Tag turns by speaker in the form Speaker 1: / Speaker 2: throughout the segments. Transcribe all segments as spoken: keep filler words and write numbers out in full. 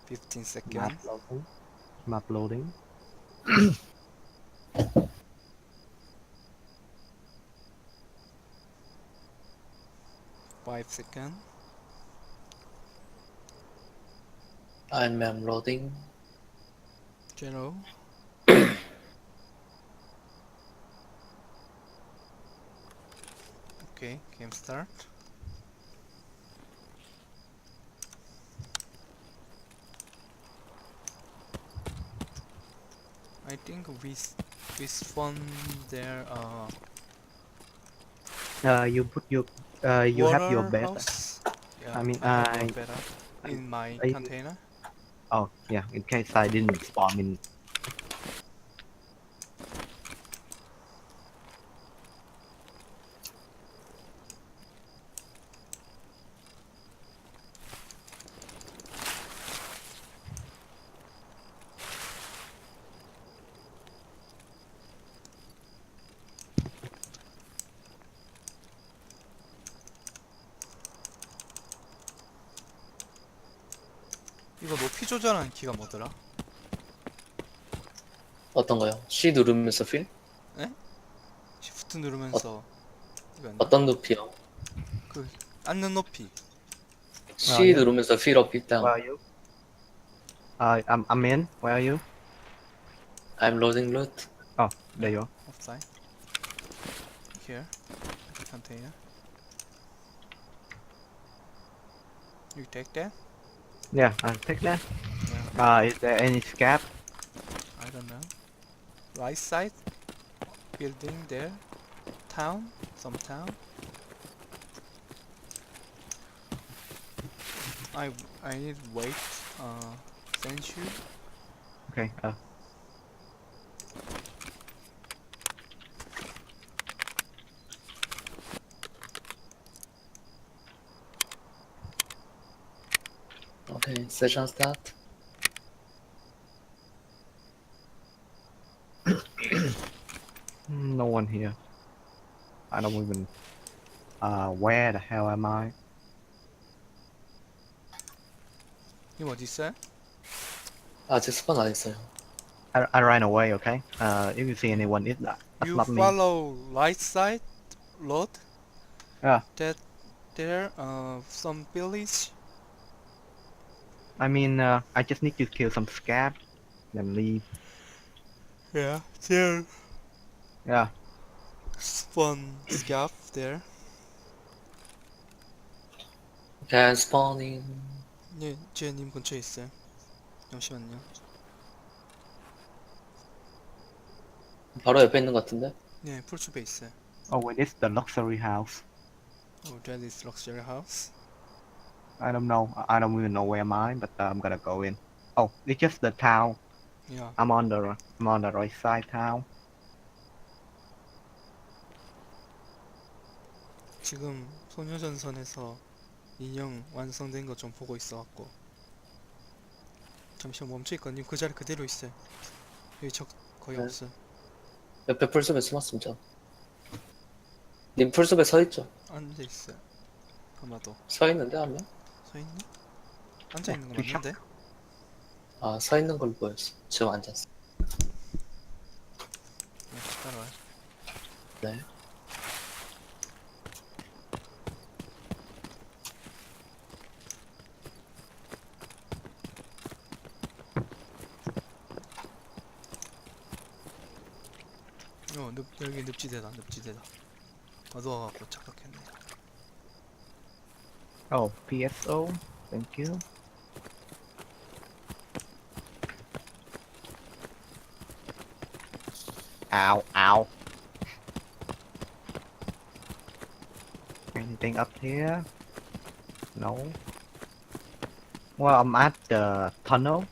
Speaker 1: fifteen
Speaker 2: Map
Speaker 1: seconds.
Speaker 2: loading. Map loading.
Speaker 1: five seconds.
Speaker 3: I'm um, loading.
Speaker 1: Zero. Okay, game start. I think we s- we spawn there. Uh,
Speaker 2: Uh, you put your, uh, you have your
Speaker 1: water
Speaker 2: bed.
Speaker 1: house. Yeah,
Speaker 2: I mean,
Speaker 1: I have a
Speaker 2: I,
Speaker 1: better in my
Speaker 2: I,
Speaker 1: container.
Speaker 2: oh yeah, in case I didn't spawn in.
Speaker 1: 이거 높이 조절하는 키가 뭐더라?
Speaker 3: 어떤 거요? C 누르면서 필?
Speaker 1: Shift 누르면서 이거였나?
Speaker 3: 어떤 높이요?
Speaker 1: 그 앉는 높이.
Speaker 2: Uh,
Speaker 3: C
Speaker 2: yeah.
Speaker 3: 누르면서 필 업 일단.
Speaker 2: Where are you? Uh, I'm, I'm in. Where are you?
Speaker 3: I'm loading loot.
Speaker 2: Oh, there you are.
Speaker 1: Outside. Here. Container. You take that?
Speaker 2: Yeah, I'll take that.
Speaker 1: Yeah.
Speaker 2: Uh, is there any scab?
Speaker 1: I don't know. Right side. Building there. Town. Some town. I I need wait. Uh, send you.
Speaker 2: Okay. Uh,
Speaker 3: Okay, session start.
Speaker 2: no one here. I don't even. Uh, where the hell am I?
Speaker 1: 님 어디 있어요?
Speaker 3: 아직 스폰 안 했어요.
Speaker 2: I, I ran away. Okay. Uh, if you see anyone, it's not. That's
Speaker 1: You
Speaker 2: not me.
Speaker 1: follow right side road.
Speaker 2: Yeah.
Speaker 1: That there uh some village.
Speaker 2: I mean, uh, I just need to kill some scab, then leave.
Speaker 1: Yeah. There.
Speaker 2: Yeah.
Speaker 1: Spawn scav there.
Speaker 3: Can spawning.
Speaker 1: 네, 제님 근처에 있어요. 잠시만요.
Speaker 3: 바로 옆에 있는 것 같은데?
Speaker 1: 네, 풀숲에 있어요.
Speaker 2: Oh, wait, it's the luxury house.
Speaker 1: Oh, that is luxury house.
Speaker 2: I don't know. I I don't even know where am I, but uh, I'm gonna go in. Oh, it's just the town.
Speaker 1: Yeah.
Speaker 2: I'm on the I'm on the right side town.
Speaker 1: 지금 소녀전선에서 인형 완성된 거 좀 보고 있어갖고. 잠시만 멈춰있거든요. 님 그 자리 그대로 있어요. 여기 적 거의
Speaker 3: 네.
Speaker 1: 없어요.
Speaker 3: 옆에 풀숲에 숨었습니다. 님 풀숲에 서 있죠?
Speaker 1: 앉아 있어요. 아마도
Speaker 3: 서 있는데 한 명?
Speaker 1: 서 있나? 앉아 있는 거
Speaker 2: 뒤
Speaker 1: 맞는데?
Speaker 3: 아, 서 있는 걸로 보였어. 지금 앉았어.
Speaker 1: 네, 따라와요.
Speaker 3: 네.
Speaker 1: 어, 늪, 여기 늪지대다, 늪지대다. 어두워갖고 착각했네.
Speaker 2: Oh, P S O. Thank you. Ow, ow. Anything up here? No. Well, I'm at the tunnel.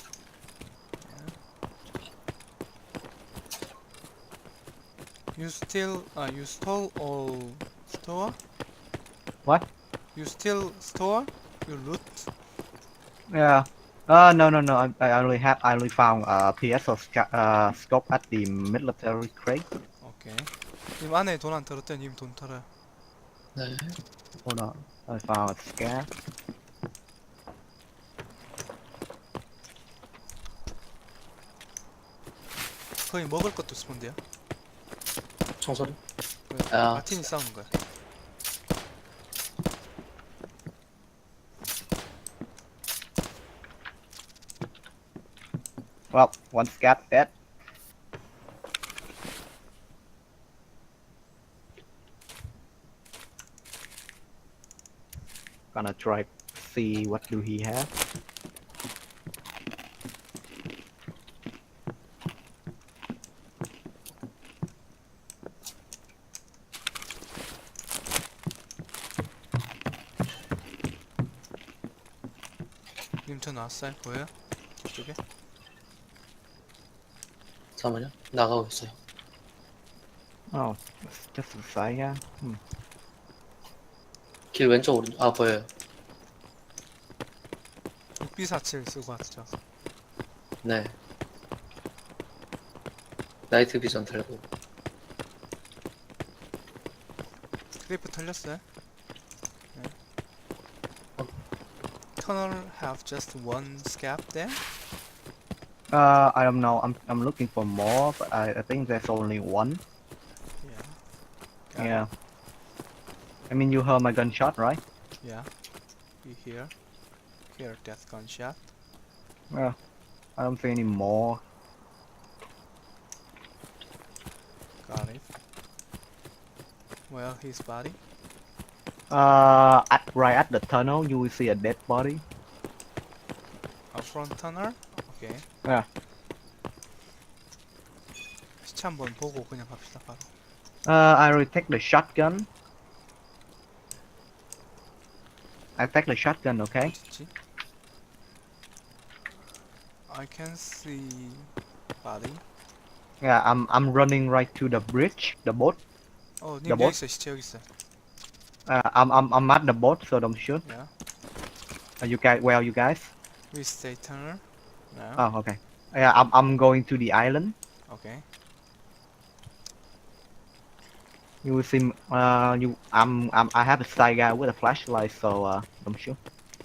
Speaker 1: You still, uh, you stole all store?
Speaker 2: What?
Speaker 1: You still store? You loot?
Speaker 2: Yeah. Uh, no, no, no. I, I only have. I only found uh P S O sca- uh scope at the military crate.
Speaker 1: 오케이. 님 안에 돈 안 털었대, 님 돈 털어요.
Speaker 3: 네.
Speaker 2: Hold on. I found a scab.
Speaker 1: 거의 먹을 것도 스폰돼요.
Speaker 3: 총소리?
Speaker 1: 그
Speaker 3: 아.
Speaker 1: 마틴이 싸우는 거야.
Speaker 2: Well, one scat dead. Gonna try see what do he have.
Speaker 1: 님 저 나왔어요? 보여요? 저쪽에?
Speaker 3: 잠깐만요. 나가고 있어요.
Speaker 2: Oh, it's just a side, yeah. Hmm.
Speaker 3: 길 왼쪽 오른쪽. 아 보여요.
Speaker 1: 육비사칠 쓰고 왔죠.
Speaker 3: 네. 나이트 비전 들고.
Speaker 1: 크레이프 털렸어요? 네.
Speaker 3: 어.
Speaker 1: Tunnel have just one scab there?
Speaker 2: Uh, I don't know. I'm I'm looking for more, but I, I think there's only one.
Speaker 1: Yeah. Got it.
Speaker 2: Yeah. I mean, you heard my gunshot, right?
Speaker 1: Yeah. We hear. Hear that gunshot.
Speaker 2: Yeah. I don't see any more.
Speaker 1: Got it. Well, his body.
Speaker 2: Uh, at right at the tunnel, you will see a dead body.
Speaker 1: A front tunnel? 오케이.
Speaker 2: Yeah.
Speaker 1: 시체 한번 보고 그냥 갑시다 바로.
Speaker 2: Uh, I will take the shotgun. I take the shotgun, okay?
Speaker 1: 어딨지? I can see body.
Speaker 2: Yeah, I'm I'm running right to the bridge, the boat.
Speaker 1: 어, 님
Speaker 2: 여보?
Speaker 1: 여기 있어. 시체 여기 있어.
Speaker 2: Uh, I'm I'm I'm at the boat, so don't shoot.
Speaker 1: Yeah.
Speaker 2: Are you guys? Where are you guys?
Speaker 1: We stay tunnel. Now.
Speaker 2: Oh, okay. Yeah, I'm I'm going to the island.
Speaker 1: Okay.
Speaker 2: You will see. m- Uh, you I'm I'm I have a side guy with a flashlight, so uh, don't shoot.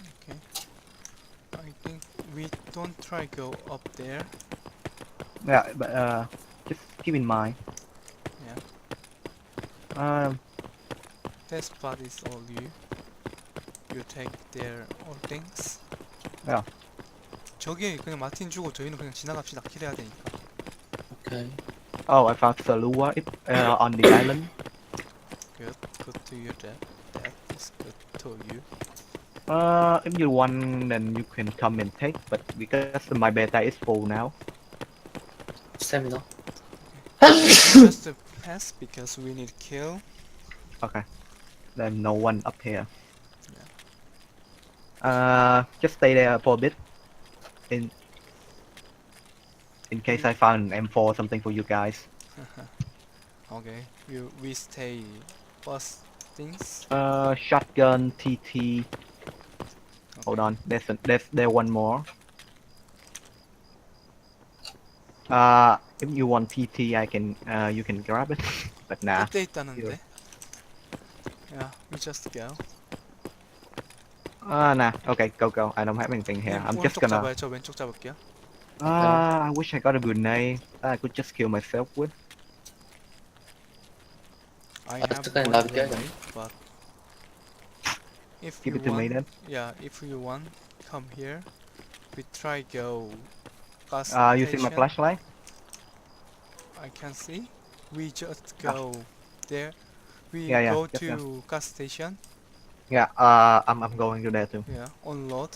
Speaker 1: I think we don't try go up there.
Speaker 2: Yeah, but uh, just keep in mind.
Speaker 1: Yeah.
Speaker 2: Um,
Speaker 1: That spot is all you. You take their all things.
Speaker 2: Yeah.
Speaker 1: 저기 그냥 마틴 주고 저희는 그냥 지나갑시다. 킬해야 되니까.
Speaker 3: 오케이.
Speaker 2: oh, I found Salua it, uh, on the island.
Speaker 1: Good. Good to you. That. That is good to you.
Speaker 2: Uh, if you want, then you can come and take. But because my beta is full now.
Speaker 3: 스태미나.
Speaker 1: Just a pass because we need kill.
Speaker 2: Okay. Then no one up here. Uh, just stay there for a bit. In in case I found an M four or something for you guys.
Speaker 1: Okay. We we stay. Bus things.
Speaker 2: Uh, shotgun, T T. Hold on. There's a, there's there one more. Uh, if you want T T, I can uh you can grab it. But nah.
Speaker 1: 끝에 있다는데. Yeah. We just go.
Speaker 2: Uh, nah. Okay, go go. I don't have anything here.
Speaker 1: 님
Speaker 2: I'm just
Speaker 1: 오른쪽
Speaker 2: gonna.
Speaker 1: 잡아요. 저 왼쪽 잡을게요.
Speaker 2: Uh, I wish I got a grenade that I could just kill myself with.
Speaker 1: I
Speaker 3: 아,
Speaker 1: have
Speaker 3: 잠깐
Speaker 1: one
Speaker 3: 나도 껴야
Speaker 1: grenade, but if
Speaker 2: Give
Speaker 1: you
Speaker 2: it to me
Speaker 1: want,
Speaker 2: then.
Speaker 1: yeah, if you want, come here. We try go gas
Speaker 2: Uh, using my
Speaker 1: station.
Speaker 2: flashlight.
Speaker 1: I can see. We just go there. We
Speaker 2: Yeah, yeah,
Speaker 1: go
Speaker 2: yes,
Speaker 1: to
Speaker 2: yes.
Speaker 1: gas station.
Speaker 2: Yeah. Uh, I'm I'm going to there too.
Speaker 1: Yeah, unload.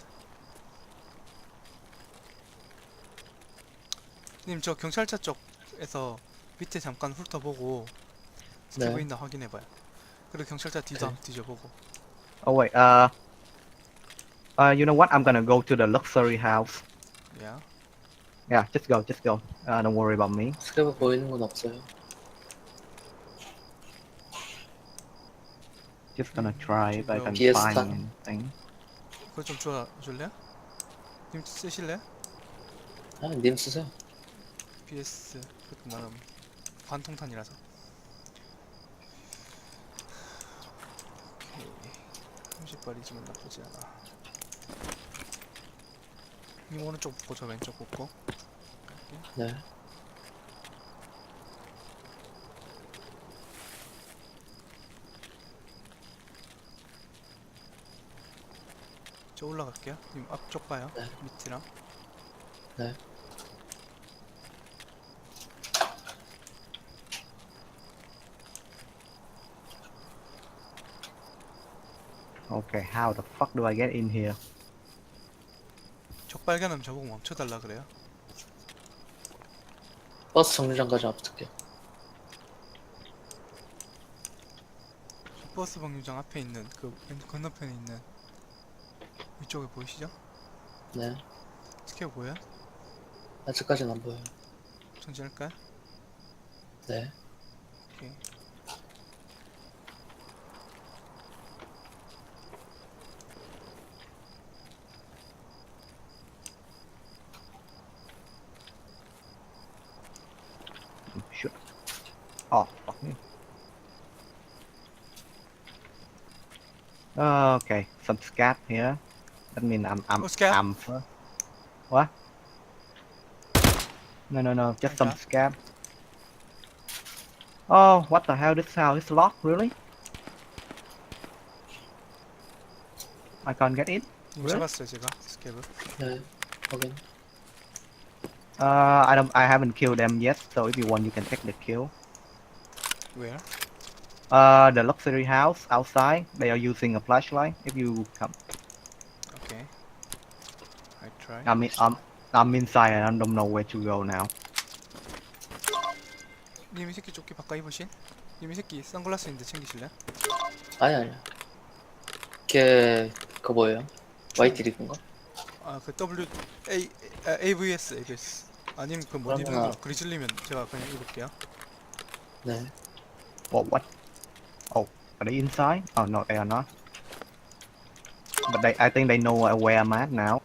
Speaker 1: 님 저 경찰차 쪽에서 밑에 잠깐 훑어보고 스티브
Speaker 3: 네.
Speaker 1: 있나 확인해봐요. 그리고 경찰차 뒤도
Speaker 3: 오케이.
Speaker 1: 한번 뒤져보고.
Speaker 2: Oh wait. Uh. Uh, you know what? I'm gonna go to the luxury house.
Speaker 1: Yeah.
Speaker 2: Yeah, just go, just go. Uh, don't worry about me.
Speaker 3: 스크래브 보이는 건 없어요.
Speaker 2: Just gonna try if I can
Speaker 3: Fiesta.
Speaker 2: find anything.
Speaker 1: 그거 좀 줘줄래요? 님 쓰실래요?
Speaker 3: 아, 님 쓰세요.
Speaker 1: 피에스 그것도 나름 관통탄이라서. 오케이. 삼십 발이지만 나쁘지 않아. 님 오른쪽 붙고 저 왼쪽 붙고.
Speaker 3: 네.
Speaker 1: 저 올라갈게요. 님 앞쪽 봐요.
Speaker 3: 네.
Speaker 1: 밑이랑.
Speaker 3: 네.
Speaker 2: Okay, how the fuck do I get in here?
Speaker 1: 적 발견하면 저보고 멈춰달라 그래요.
Speaker 3: 버스 정류장까지 앞둘게요.
Speaker 1: 저 버스 방류장 앞에 있는 그 왼- 건너편에 있는 위쪽에 보이시죠?
Speaker 3: 네.
Speaker 1: 스퀘어 보여요?
Speaker 3: 아직까지는 안 보여요.
Speaker 1: 전진할까요?
Speaker 3: 네.
Speaker 1: 오케이.
Speaker 2: Shoot. Oh, fuck me. Okay, some scat here. That means I'm I'm
Speaker 1: Oh, scat?
Speaker 2: I'm first. What? No, no, no, just some
Speaker 1: Okay.
Speaker 2: scab. Oh, what the hell? This house is locked, really? I can't get in.
Speaker 1: 님
Speaker 2: Really?
Speaker 1: 잡았어요 제가 스케브.
Speaker 3: 네. 확인.
Speaker 2: Uh, I don't. I haven't killed them yet. So if you want, you can take the kill.
Speaker 1: Where?
Speaker 2: Uh, the luxury house outside. They are using a flashlight. If you come,
Speaker 1: Okay. I try.
Speaker 2: I mean, I'm I'm inside and I don't know where to go now.
Speaker 1: 님 이 새끼 조끼 바꿔 입으신? 님 이 새끼 선글라스 있는데 챙기실래?
Speaker 3: 아니, 아니야. 걔, 그거 뭐예요? 화이트 리그인가?
Speaker 1: 아 그 W A 아, 에이브이에스 에이브이에스. 아님 그 못 입는
Speaker 3: 그러면은-
Speaker 1: 거 그리즐리면 제가 그냥 입을게요.
Speaker 3: 네.
Speaker 2: What? What? Oh, are they inside? Oh no, they are not. But they, I think they know where I'm at now.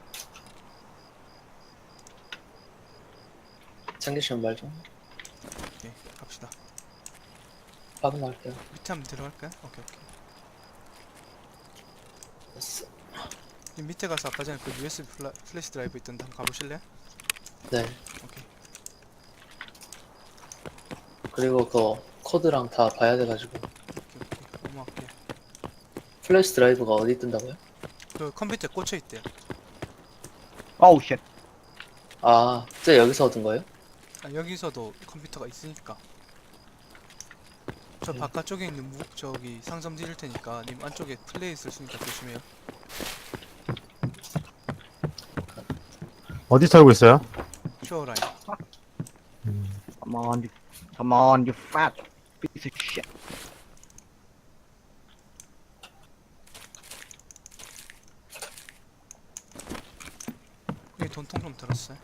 Speaker 3: 챙기시면 말 좀.
Speaker 1: 오케이 갑시다.
Speaker 3: 확인할게요.
Speaker 1: 밑에 한번 들어갈까요? 오케이 오케이.
Speaker 3: 됐어.
Speaker 1: 님 밑에 가서 아까 전에 그 유에스비 플라, 플래시 드라이브 있던데 한번 가보실래요?
Speaker 3: 네.
Speaker 1: 오케이.
Speaker 3: 그리고 그 코드랑 다 봐야 돼가지고.
Speaker 1: 오케이 오케이. 넘어갈게요.
Speaker 3: 플래시 드라이브가 어디 뜬다고요?
Speaker 1: 그 컴퓨터에 꽂혀 있대요.
Speaker 2: Oh shit.
Speaker 3: 아, 쟤 여기서 얻은 거예요?
Speaker 1: 아, 여기서도 컴퓨터가 있으니까. 저
Speaker 3: 네.
Speaker 1: 바깥쪽에 있는 무, 저기 상점 드릴 테니까 님 안쪽에 플레이 있을 수 있으니까 조심해요.
Speaker 4: 어디 살고 있어요?
Speaker 1: 슈어 라인.
Speaker 2: Come on, you, come on, you fat piece of shit.
Speaker 1: 여기 돈통 좀 들었어요.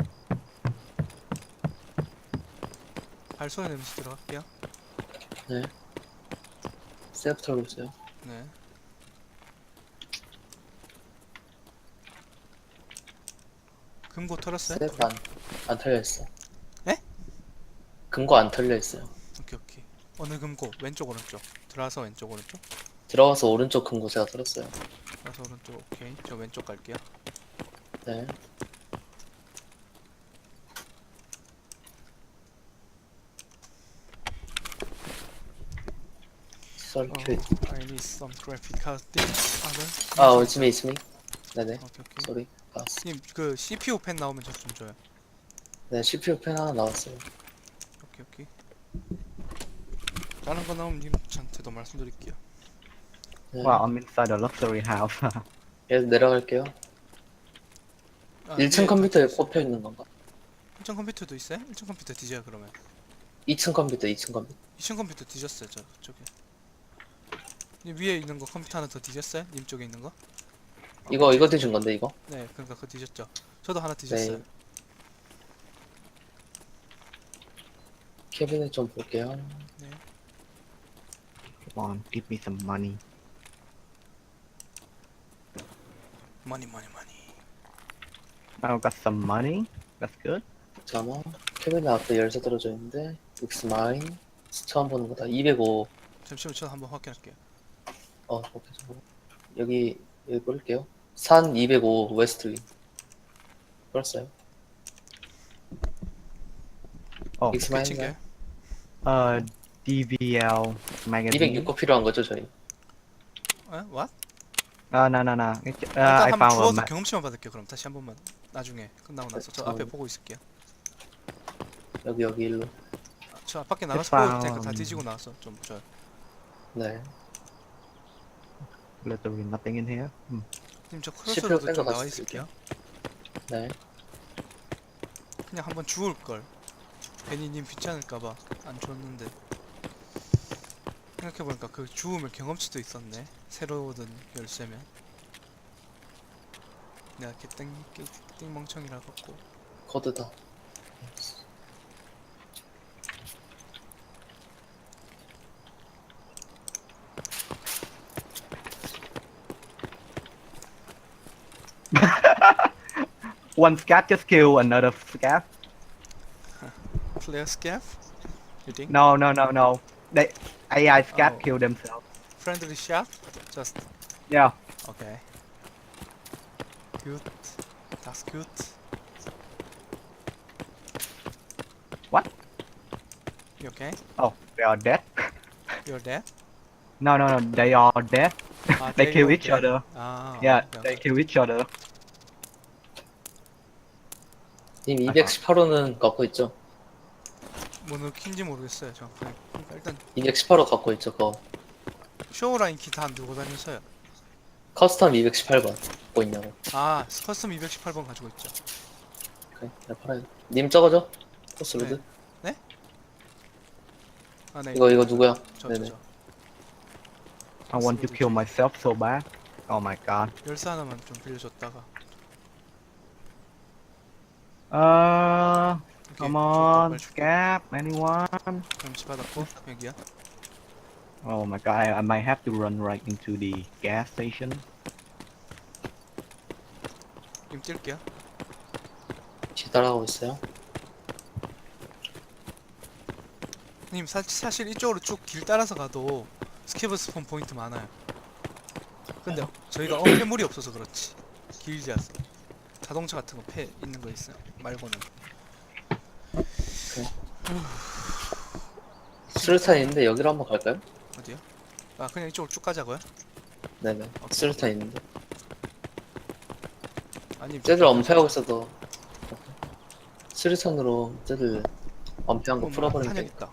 Speaker 1: 발소리 내면서 들어갈게요.
Speaker 3: 네. 셀프 털고 있어요.
Speaker 1: 네. 금고 털었어요?
Speaker 3: 셀프 안, 안 털려있어.
Speaker 1: 에?
Speaker 3: 금고 안 털려있어요.
Speaker 1: 오케이 오케이. 어느 금고? 왼쪽 오른쪽. 들어와서 왼쪽 오른쪽?
Speaker 3: 들어가서 오른쪽 금고 제가 털었어요.
Speaker 1: 들어와서 오른쪽. 오케이. 저 왼쪽 갈게요.
Speaker 3: 네. 썰큐.
Speaker 1: 어, I need some graphic card. things. other.
Speaker 3: 아, it's me, it's me. 네네.
Speaker 1: 오케이 오케이.
Speaker 3: 쏘리. 봤어.
Speaker 1: 님 그 씨피유 펜 나오면 저 좀 줘요.
Speaker 3: 네, 씨피유 펜 하나 나왔어요.
Speaker 1: 오케이 오케이. 다른 거 나오면 님한테도 말씀드릴게요.
Speaker 3: 네.
Speaker 2: Well, I'm inside the luxury house.
Speaker 3: 얘 내려갈게요.
Speaker 1: 아,
Speaker 3: 일 층
Speaker 1: 위에
Speaker 3: 컴퓨터에
Speaker 1: 같이 있어요.
Speaker 3: 꼽혀 있는 건가?
Speaker 1: 일 층 컴퓨터도 있어요? 일 층 컴퓨터 뒤져요 그러면.
Speaker 3: 이 층 컴퓨터, 이 층 컴퓨터.
Speaker 1: 이 층 컴퓨터 뒤졌어요 저 저기. 님 위에 있는 거 컴퓨터 하나 더 뒤졌어요? 님 쪽에 있는 거?
Speaker 3: 이거, 이거 뒤진 건데, 이거?
Speaker 1: 네, 그러니까 그거 뒤졌죠. 저도 하나 뒤졌어요.
Speaker 3: 네. 캐비넷 좀 볼게요.
Speaker 1: 네.
Speaker 2: Come on, give me some money.
Speaker 1: 머니 머니 머니.
Speaker 2: I've got some money. That's good.
Speaker 3: 잠깐만. 캐비넷 앞에 열쇠 떨어져 있는데, It's mine. 처음 보는 거다. 이백오.
Speaker 1: 잠시만 저 한번 확인할게요.
Speaker 3: 어, 오케이, 잠깐만. 여기, 여기 뿌릴게요. 산 이백오 웨스트리. 뿌렸어요.
Speaker 2: Oh,
Speaker 3: It's
Speaker 1: 꽤
Speaker 3: mine.
Speaker 1: 챙겨요.
Speaker 2: uh, D V L magazine.
Speaker 3: 이백육 거 필요한 거죠, 저희?
Speaker 1: 에? What?
Speaker 2: Uh, no, no, no. It, uh,
Speaker 1: 일단
Speaker 2: I
Speaker 1: 한번
Speaker 2: found a
Speaker 1: 주워서
Speaker 2: map.
Speaker 1: 경험치만 받을게요. 그럼 다시 한 번만 나중에 끝나고 나서 저
Speaker 3: 네,
Speaker 1: 앞에
Speaker 3: 저-
Speaker 1: 보고 있을게요.
Speaker 3: 여기 여기 일로.
Speaker 1: 아, 저 밖에 나가서
Speaker 2: Just
Speaker 1: 보고 있을 테니까 다
Speaker 2: found
Speaker 1: 뒤지고 나와서 좀 저.
Speaker 3: 네.
Speaker 2: literally nothing in here. Hmm.
Speaker 1: 님 저
Speaker 3: 씨피유
Speaker 1: 크로스로드
Speaker 3: 뺀거
Speaker 1: 좀 나와
Speaker 3: 같이
Speaker 1: 있을게요.
Speaker 3: 네.
Speaker 1: 그냥 한번 주울 걸. 괜히 님 귀찮을까봐 안 줬는데. 생각해보니까 그 주우면 경험치도 있었네. 새로 얻은 열쇠면. 내가 개땡 개- 띵멍청이라 갖고.
Speaker 3: 코드다.
Speaker 2: One scat just killed another scat.
Speaker 1: 플레이어 스캡? You think?
Speaker 2: No, no, no, no. They A I scat
Speaker 1: Oh.
Speaker 2: killed themselves.
Speaker 1: Friendly shot? Just
Speaker 2: Yeah.
Speaker 1: okay. Good. That's good.
Speaker 2: What?
Speaker 1: You okay?
Speaker 2: Oh, they are dead.
Speaker 1: You're dead?
Speaker 2: No, no, no. They are dead.
Speaker 1: 아,
Speaker 2: They kill
Speaker 1: were
Speaker 2: each
Speaker 1: dead.
Speaker 2: other.
Speaker 1: 아,
Speaker 2: Yeah,
Speaker 1: 오케이,
Speaker 2: they
Speaker 1: 오케이.
Speaker 2: kill each other.
Speaker 3: 님 이백십팔 호는 갖고 있죠?
Speaker 1: 뭐 넣긴지 모르겠어요. 정확하게. 그러니까 일단
Speaker 3: 이백십팔 호 갖고 있죠. 그거.
Speaker 1: 쇼라인 키 다 안 들고 다녀서요.
Speaker 3: 커스텀 이백십팔 번 갖고 있냐고.
Speaker 1: 아, 커스텀 이백십팔 번 가지고 있죠.
Speaker 3: 그래. 네, 팔아요. 님 저거죠? 코스로드?
Speaker 1: 네. 아, 네.
Speaker 3: 이거 이거 누구야?
Speaker 1: 저, 저,
Speaker 3: 네네.
Speaker 1: 저.
Speaker 2: I want to kill myself so bad. Oh my god.
Speaker 1: 열쇠 하나만 좀 빌려줬다가.
Speaker 2: Uh,
Speaker 1: 오케이,
Speaker 2: come
Speaker 1: 줬다,
Speaker 2: on,
Speaker 1: 빨리 줄게.
Speaker 2: scab, anyone?
Speaker 1: 경치 받았고 여기야.
Speaker 2: Oh my god, I, I might have to run right into the gas station.
Speaker 1: 님 뛸게요.
Speaker 3: 뒤따라가고 있어요.
Speaker 1: 님 사, 사실 이쪽으로 쭉 길 따라서 가도 스케브 스폰 포인트 많아요. 근데 저희가 어 폐물이 없어서 그렇지. 길지않아서 자동차 같은 거 폐 있는 거 있어요. 말고는.
Speaker 3: 수류탄 있는데 여기로 한번 갈까요?
Speaker 1: 어디요? 아 그냥 이쪽으로 쭉 가자고요?
Speaker 3: 네네. 수류탄 있는데.
Speaker 1: 아니
Speaker 3: 쟤들 엄폐하고 있어도 수류탄으로 쟤들 엄폐한 거
Speaker 1: 어,
Speaker 3: 풀어버리면
Speaker 1: 탄약
Speaker 3: 되니까.
Speaker 1: 있다.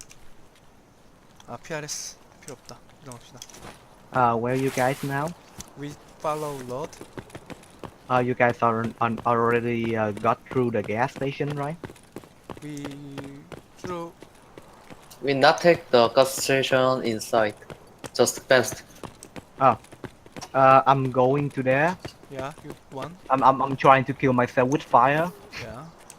Speaker 1: 아 피알에스 필요 없다. 이동합시다.
Speaker 2: Uh, where you guys now?
Speaker 1: We follow road.
Speaker 2: Uh, you guys are on, already uh, got through the gas station, right?
Speaker 1: We through.
Speaker 3: We not take the gas station inside. Just past.
Speaker 2: Uh, I'm going to there.
Speaker 1: Yeah, you won.
Speaker 2: I'm, I'm, I'm trying to kill myself with fire.
Speaker 1: Yeah.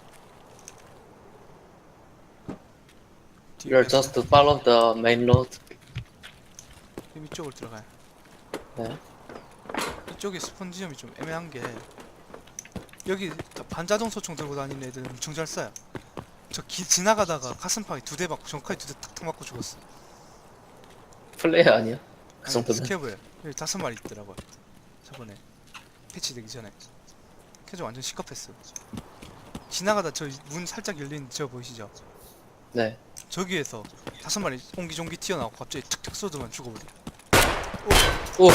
Speaker 3: You're just to follow the main road.
Speaker 1: 님 이쪽으로 들어가요.
Speaker 3: 네.
Speaker 1: 이쪽에 스폰 지점이 좀 애매한 게 여기 반자동 소총 들고 다니는 애들은 엄청 잘 쏴요. 저 기, 지나가다가 가슴팍에 두 대 맞고 정칼에 두 대 탁탁 맞고 죽었어.
Speaker 3: 플레이어 아니야? 그
Speaker 1: 아니,
Speaker 3: 정도면.
Speaker 1: 스케브에 여기 다섯 마리 있더라고요. 저번에 패치되기 전에. 캐저 완전 시커했어. 지나가다 저 문 살짝 열린 저 보이시죠?
Speaker 3: 네.
Speaker 1: 저기에서 다섯 마리 옹기종기 튀어나오고 갑자기 툭툭 쏘더만 죽어버려.
Speaker 3: 오!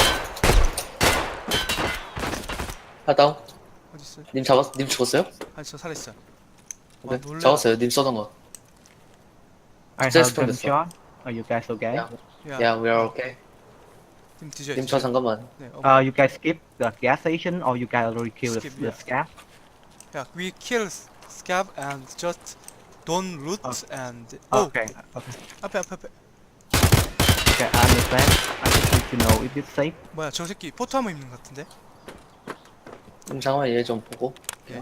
Speaker 3: 아, 다운.
Speaker 1: 어디 있어?
Speaker 3: 님 잡았, 님 죽었어요?
Speaker 1: 아니 저 살아있어요. 와,
Speaker 3: 네.
Speaker 1: 놀래라.
Speaker 3: 잡았어요. 님 쏘던 거.
Speaker 2: I
Speaker 3: Just
Speaker 2: heard
Speaker 3: from the
Speaker 2: gunshot. Are you guys okay?
Speaker 3: 야,
Speaker 1: 야,
Speaker 3: yeah, we are okay.
Speaker 1: 님 뒤져.
Speaker 3: 님 저 잠깐만.
Speaker 1: 네, 어,
Speaker 2: Uh, you guys skip the gas station or you guys already killed
Speaker 1: Skip,
Speaker 2: the, the
Speaker 1: yeah.
Speaker 2: scab?
Speaker 1: yeah, we kill s- scab and just don't loot
Speaker 2: Oh.
Speaker 1: and oh
Speaker 2: Okay, okay,
Speaker 1: 앞에 앞에 앞에
Speaker 2: okay, I understand. I just need to know if it's safe.
Speaker 1: 뭐야 저 새끼 포토하머 입는 것 같은데?
Speaker 3: 님 잠깐만 얘 좀 보고.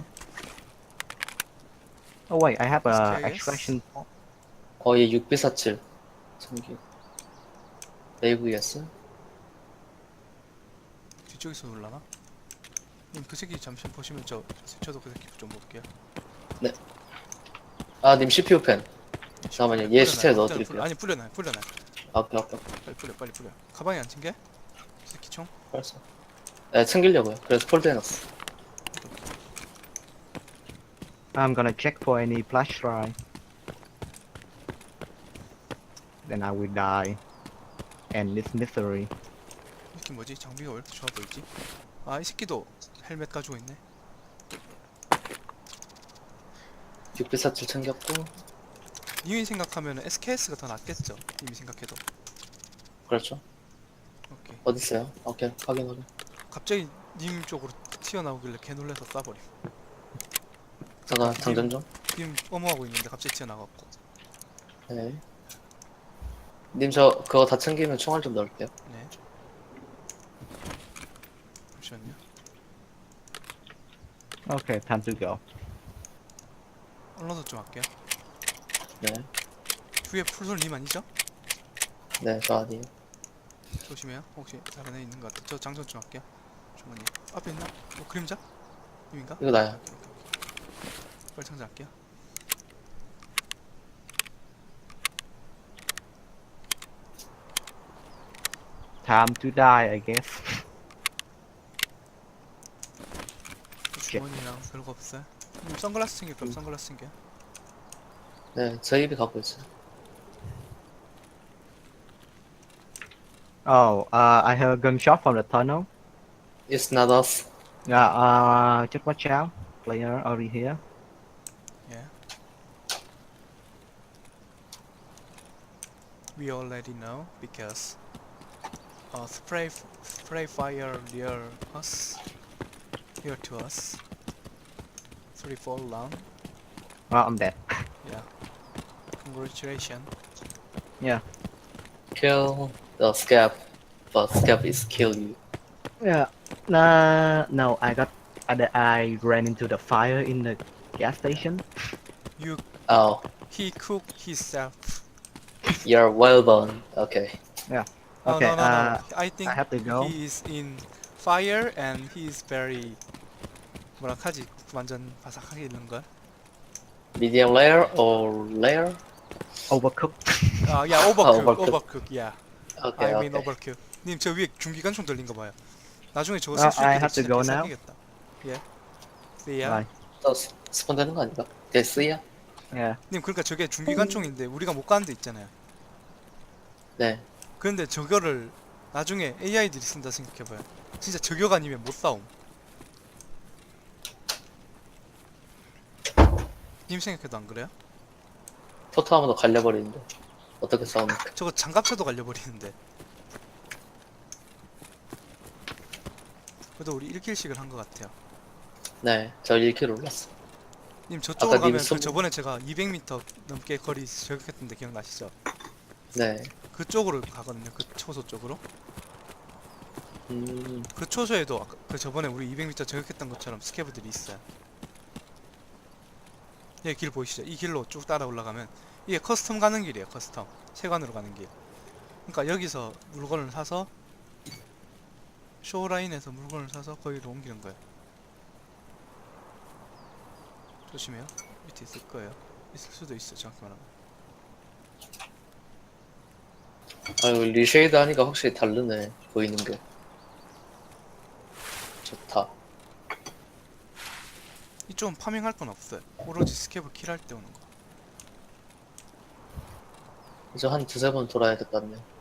Speaker 2: Oh wait, I have a
Speaker 1: S K S?
Speaker 2: extraction.
Speaker 3: 어, 얘 육 비 사칠. 참기. 에이브이에스?
Speaker 1: 뒤쪽에서 올라나? 님 그 새끼 잠시 보시면 저 저도 그 새끼 좀 볼게요.
Speaker 3: 아, 님 씨피유 펜. 잠깐만요. 얘
Speaker 1: 뿌려놔요.
Speaker 3: 시체에
Speaker 1: 일단은
Speaker 3: 넣어드릴게요.
Speaker 1: 뿌려- 아니 뿌려놔 뿌려놔.
Speaker 3: 아, 오케이, 오케이.
Speaker 1: 빨리 뿌려 빨리 뿌려. 가방에 안 챙겨? 이 새끼 총?
Speaker 3: 벌써. 네, 챙기려고요. 그래서 폴드 해놨어.
Speaker 2: I'm gonna check for any flash drive. Then I will die. End this misery.
Speaker 1: 이게 뭐지? 장비가 왜 이렇게 좋아 보이지? 아, 이 새끼도 헬멧 가지고 있네.
Speaker 3: 육백사십칠 챙겼고.
Speaker 1: 님이 생각하면 에스케이에스가 더 낫겠죠? 님이 생각해도.
Speaker 3: 그렇죠.
Speaker 1: 오케이.
Speaker 3: 어딨어요? 오케이, 확인 확인.
Speaker 1: 갑자기 님 쪽으로 튀어나오길래 개 놀라서 쏴버림.
Speaker 3: 잠깐 장전 좀.
Speaker 1: 님 어머하고 있는데 갑자기 튀어나갔고.
Speaker 3: 네. 님 저 그거 다 챙기면 총알 좀 넣을게요.
Speaker 1: 네. 잠시만요.
Speaker 2: Okay, time to go.
Speaker 1: 언론도 좀 할게요.
Speaker 3: 네.
Speaker 1: 위에 풀솔 님 아니죠?
Speaker 3: 네, 저 아니에요.
Speaker 1: 조심해요. 혹시 다른 애 있는 것 같아. 저 장전 좀 할게요. 주머니. 앞에 있나? 어, 그림자? 님인가?
Speaker 3: 이거 나야.
Speaker 1: 오케이, 오케이, 오케이. 빨리 장전할게요.
Speaker 2: Time to die, I guess.
Speaker 1: 주머니랑 별거 없어요. 님 선글라스 챙길 거면 선글라스 챙겨요.
Speaker 3: 네, 저 입이 갖고 있어요.
Speaker 2: Oh, uh, I heard a gunshot from the tunnel.
Speaker 3: It's not us.
Speaker 2: Yeah, uh, just watch out. Player over here.
Speaker 1: Yeah. We already know because uh, spray f- spray fire near us, near to us. Three fall down.
Speaker 2: Oh, I'm dead.
Speaker 1: Yeah. Congratulations.
Speaker 2: Yeah.
Speaker 3: Kill the scab, but scab is kill you.
Speaker 2: Yeah. Nah, no, I got. I, I ran into the fire in the gas station.
Speaker 1: You
Speaker 3: Oh,
Speaker 1: he cooked himself.
Speaker 3: you're well done. Okay.
Speaker 1: Oh,
Speaker 2: Okay,
Speaker 1: no, no, no.
Speaker 2: uh,
Speaker 1: I think
Speaker 2: I have to go.
Speaker 1: he is in fire and he is very 뭐라 하지? 완전 바삭하게 있는 걸.
Speaker 3: Medium layer or layer?
Speaker 2: Overcooked.
Speaker 1: 아, 야, 오버쿡,
Speaker 3: overcook.
Speaker 1: 오버쿡, 야.
Speaker 3: Okay,
Speaker 1: I mean
Speaker 3: okay.
Speaker 1: overkill. 님, 저 위에 중기관총 들린 거 봐요. 나중에 저거
Speaker 2: Uh,
Speaker 1: 쓸수
Speaker 2: I
Speaker 1: 있게
Speaker 2: have to
Speaker 1: 진짜
Speaker 2: go now.
Speaker 1: 개사기겠다. 예. See ya.
Speaker 2: Bye.
Speaker 3: 또 스- 스폰 되는 거 아닌가? 데스야?
Speaker 2: Yeah.
Speaker 1: 님, 그러니까 저게 중기관총인데 우리가 못 가는 데 있잖아요.
Speaker 3: 네.
Speaker 1: 그런데 저거를 나중에 에이아이들이 쓴다 생각해봐요. 진짜 저격 아니면 못 싸움. 님 생각해도 안 그래요?
Speaker 3: 포토 하면 더 갈려버리는데. 어떻게 싸웁니까?
Speaker 1: 저거 장갑차도 갈려버리는데. 그래도 우리 일 킬씩을 한 것 같아요.
Speaker 3: 네, 저 일 킬 올랐어.
Speaker 1: 님, 저쪽으로
Speaker 3: 아까 님
Speaker 1: 가면 그
Speaker 3: 손-
Speaker 1: 저번에 제가 이백 미터 넘게 거리 저격했던데 기억나시죠?
Speaker 3: 네.
Speaker 1: 그쪽으로 가거든요. 그 초소 쪽으로.
Speaker 3: 음,
Speaker 1: 그 초소에도 아까 그 저번에 우리 이백 미터 저격했던 것처럼 스캐브들이 있어요. 예, 길 보이시죠? 이 길로 쭉 따라 올라가면 이게 커스텀 가는 길이에요. 커스텀 세관으로 가는 길. 그러니까 여기서 물건을 사서 쇼라인에서 물건을 사서 거기로 옮기는 거예요. 조심해요. 밑에 있을 거예요. 있을 수도 있어. 정확히 말하면.
Speaker 3: 아유, 리쉐이드 하니까 확실히 다르네. 보이는 게. 좋다.
Speaker 1: 이쪽은 파밍할 건 없어요. 오로지 스캡을 킬할 때 오는 거.
Speaker 3: 이제 한 두세 번 돌아야 될 것 같네요.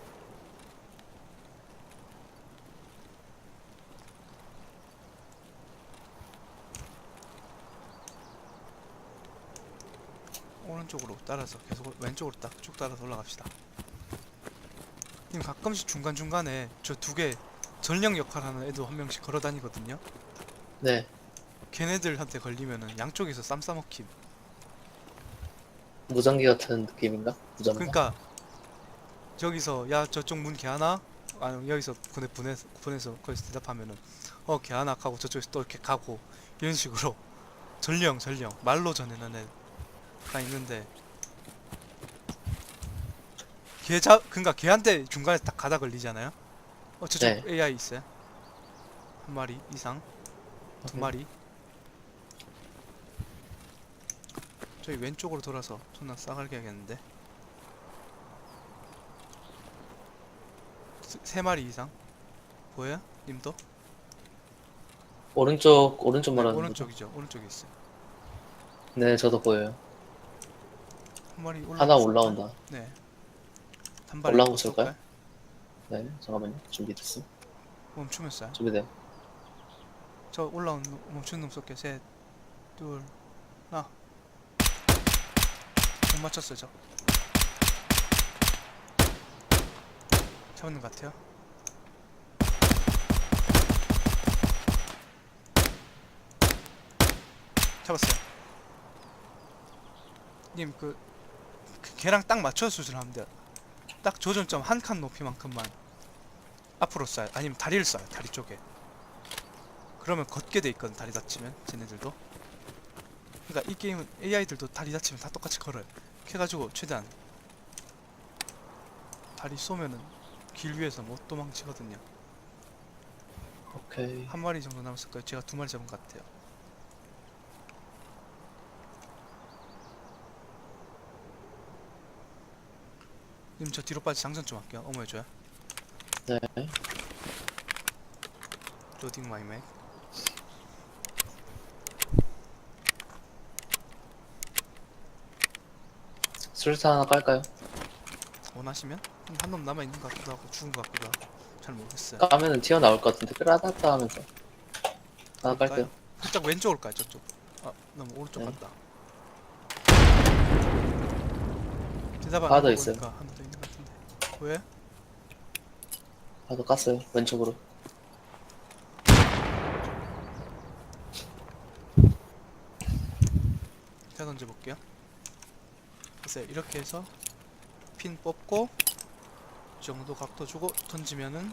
Speaker 1: 오른쪽으로 따라서 계속 왼쪽으로 딱 쭉 따라서 올라갑시다. 님, 가끔씩 중간중간에 저 두 개 전령 역할하는 애도 한 명씩 걸어 다니거든요.
Speaker 3: 네.
Speaker 1: 걔네들한테 걸리면은 양쪽에서 쌈 싸먹힘.
Speaker 3: 무전기 같은 느낌인가? 무전기.
Speaker 1: 그러니까 저기서 야 저쪽 문 개하나? 아니 여기서 보내 보내서 보내서 거기서 대답하면은 어 개하나 하고 저쪽에서 또 이렇게 가고 이런 식으로 전령 전령 말로 전해는 애가 있는데 걔자 그러니까 걔한테 중간에 딱 가다 걸리잖아요. 어 저쪽
Speaker 3: 네.
Speaker 1: 에이아이 있어요. 한 마리 이상, 두
Speaker 3: 오케이.
Speaker 1: 마리. 저희 왼쪽으로 돌아서 존나 싸갈게 하겠는데. 세, 세 마리 이상 보여요? 님도?
Speaker 3: 오른쪽, 오른쪽
Speaker 1: 네,
Speaker 3: 말하는 거죠?
Speaker 1: 오른쪽이죠. 오른쪽에 있어요.
Speaker 3: 네, 저도 보여요.
Speaker 1: 한 마리 올라.
Speaker 3: 하나 올라온다.
Speaker 1: 네. 단발이
Speaker 3: 올라온 거 쏠까요? 네, 잠깐만요. 준비됐어.
Speaker 1: 멈추면 쏴.
Speaker 3: 준비돼.
Speaker 1: 저 올라온 놈, 멈춘 놈 쏠게. 셋, 둘, 하나. 못 맞췄어요 저. 잡는 것 같아요. 잡았어요. 님 그, 그 걔랑 딱 맞춰서 조준하면 돼요. 딱 조준점 한 칸 높이만큼만 앞으로 쏴요. 아니면 다리를 쏴요. 다리 쪽에. 그러면 걷게 돼 있거든. 다리 다치면 쟤네들도. 그러니까 이 게임은 에이아이들도 다리 다치면 다 똑같이 걸어요. 해가지고 최대한 다리 쏘면은 길 위에서 못 도망치거든요.
Speaker 3: 오케이.
Speaker 1: 한 마리 정도 남았을 거예요. 제가 두 마리 잡은 것 같아요. 님 저 뒤로 빠지 장전 좀 할게요. 어머 해줘요.
Speaker 3: 네.
Speaker 1: 로딩 마이 맥.
Speaker 3: 술사 하나 깔까요?
Speaker 1: 원하시면 한 놈 남아 있는 것 같기도 하고 죽은 것 같기도 하고 잘 모르겠어요.
Speaker 3: 까면은 튀어나올 것 같은데 끌어다다 하면서 하나
Speaker 1: 그럴까요?
Speaker 3: 깔게요.
Speaker 1: 살짝 왼쪽으로 가요. 저쪽. 아 너무 오른쪽
Speaker 3: 네.
Speaker 1: 갔다. 대답 안
Speaker 3: 하나 더
Speaker 1: 하고
Speaker 3: 있어요.
Speaker 1: 보니까 하나 더 있는 것 같은데. 왜?
Speaker 3: 하나 깠어요. 왼쪽으로.
Speaker 1: 제가 던져볼게요. 글쎄요. 이렇게 해서 핀 뽑고 이 정도 각도 주고 던지면은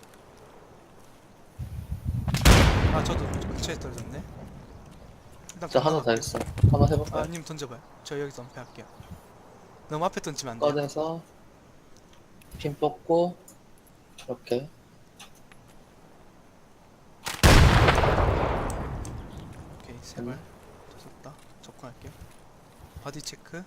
Speaker 1: 아 저도 근처에 떨어졌네. 일단
Speaker 3: 저 하나 더
Speaker 1: 건너갈게요.
Speaker 3: 있어. 한번 해볼까요?
Speaker 1: 아 님 던져봐요. 저 여기서 은폐할게요. 너무 앞에 던지면 안 돼요.
Speaker 3: 꺼내서 핀 뽑고 이렇게
Speaker 1: 오케이 세발 졌다. 접근할게요. 바디 체크.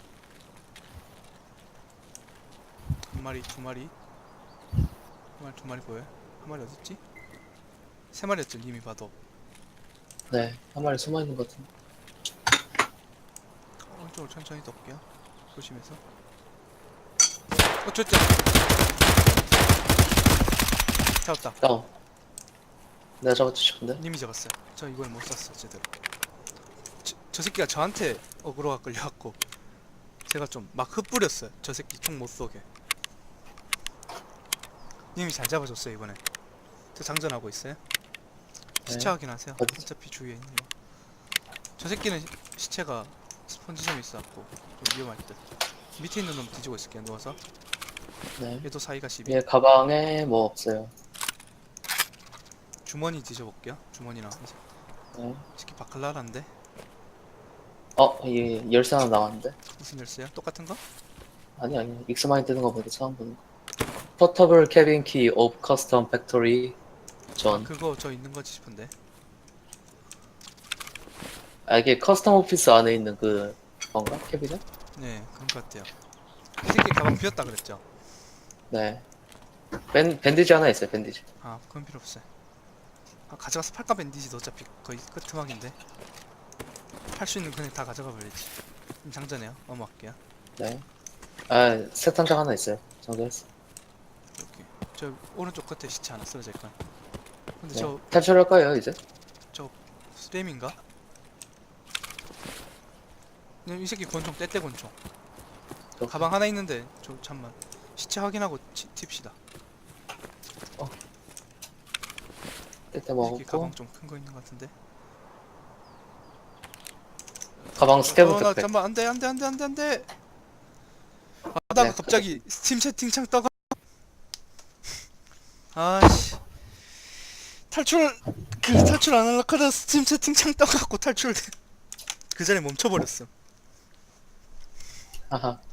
Speaker 1: 한 마리, 두 마리, 한 마리, 두 마리 보여요? 한 마리 어딨지? 세 마리였죠 님이 봐도.
Speaker 3: 네, 한 마리 숨어 있는 것 같은데.
Speaker 1: 오른쪽으로 천천히 덮게요. 조심해서. 어, 줬죠. 잡았다.
Speaker 3: 다운. 내가 잡았지 싶은데.
Speaker 1: 님이 잡았어요. 저 이걸 못 쐈어 제대로. 저, 저 새끼가 저한테 어그로가 끌려갖고 제가 좀 막 흩뿌렸어요. 저 새끼 총 못 쏘게. 님이 잘 잡아줬어요 이번에. 저 장전하고 있어요. 시체
Speaker 3: 네.
Speaker 1: 확인하세요.
Speaker 3: 어디지?
Speaker 1: 어차피 주위에 있는 거. 저 새끼는 시- 시체가 스펀지점에 있어갖고 좀 위험할 듯. 밑에 있는 놈 뒤지고 있을게요 누워서.
Speaker 3: 네.
Speaker 1: 얘도 사이가 십이.
Speaker 3: 얘 가방에 뭐 없어요.
Speaker 1: 주머니 뒤져볼게요. 주머니랑 이제
Speaker 3: 네.
Speaker 1: 새끼 바클라라인데
Speaker 3: 어, 얘 열쇠 하나 나왔는데.
Speaker 1: 무슨 열쇠요? 똑같은 거?
Speaker 3: 아니 아니. 익스마인 뜨는 거 보니까 처음 보는 거. 포터블 캐빈 키 오브 커스텀 팩토리 존.
Speaker 1: 그거 저 있는 거지 싶은데.
Speaker 3: 아 이게 커스텀 오피스 안에 있는 그 건가? 캐비넷?
Speaker 1: 네 그런 것 같아요. 이 새끼 가방 비었다 그랬죠?
Speaker 3: 네. 밴, 밴디지 하나 있어요. 밴디지.
Speaker 1: 아 그건 필요 없어요. 아, 가져가서 팔까 밴디지도 어차피 거의 끝트막인데 팔 수 있는 그냥 다 가져가 버리지. 좀 장전해요. 넘어갈게요.
Speaker 3: 네. 아 세탄장 하나 있어요. 정리했어.
Speaker 1: 이렇게 저 오른쪽 끝에 시체 하나 쓰러져 있건. 근데
Speaker 3: 네.
Speaker 1: 저
Speaker 3: 탈출할 거예요 이제.
Speaker 1: 스램인가? 네, 이 새끼 권총 떼떼 권총. 가방 하나 있는데 저 잠만 시체 확인하고 치, 튑시다.
Speaker 3: 떼떼
Speaker 1: 이 새끼
Speaker 3: 먹었고
Speaker 1: 가방 좀 큰 거 있는 것 같은데.
Speaker 3: 가방 스캐브
Speaker 1: 어, 나
Speaker 3: 백팩.
Speaker 1: 잠만 안돼 안돼 안돼 안돼 안돼. 하다가
Speaker 3: 네,
Speaker 1: 갑자기 스팀 채팅창 떠가. 아씨 탈출 그 탈출 안 하려고 하다 스팀 채팅창 떠갖고 탈출 그 자리에 멈춰버렸어.
Speaker 3: 하하.